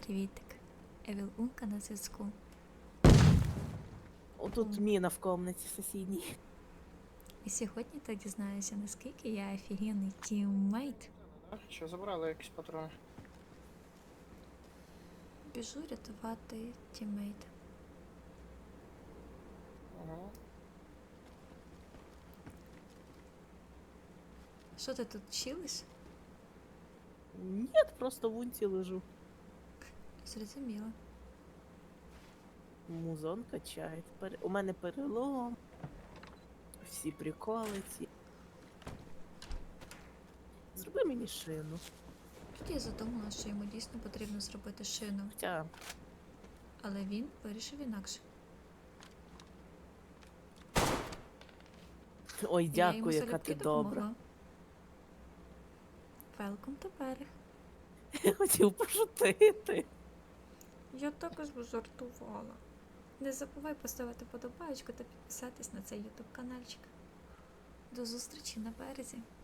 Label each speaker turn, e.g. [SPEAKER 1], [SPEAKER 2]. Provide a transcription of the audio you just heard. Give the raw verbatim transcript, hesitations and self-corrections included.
[SPEAKER 1] Привітик. Евіл Унка на зв'язку.
[SPEAKER 2] Отут
[SPEAKER 1] Ом.
[SPEAKER 2] міна в комнаті сусідній.
[SPEAKER 1] І сьогодні ти дізнаєшся, наскільки я офігенний тіммейт.
[SPEAKER 3] Що забрали якісь патрони?
[SPEAKER 1] Біжу рятувати тіммейта.
[SPEAKER 3] Ага.
[SPEAKER 1] Що ти тут чилиш?
[SPEAKER 2] Ні, просто в унці лежу.
[SPEAKER 1] Зрозуміло.
[SPEAKER 2] Музон качає. Пере- У мене перелом. Всі приколи ці. Зроби мені шину.
[SPEAKER 1] Тут я задумала, що йому дійсно потрібно зробити шину,
[SPEAKER 2] Хоча
[SPEAKER 1] але він вирішив інакше.
[SPEAKER 2] ой,
[SPEAKER 1] І я
[SPEAKER 2] дякую,
[SPEAKER 1] йому
[SPEAKER 2] яка
[SPEAKER 1] залюбки
[SPEAKER 2] ти добра.
[SPEAKER 1] допомогла. Welcome to берег.
[SPEAKER 2] Я хотів пошутити.
[SPEAKER 1] Я також жартувала. Не забувай поставити подобаєчку та підписатись на цей ютуб каналчик. До зустрічі на березі.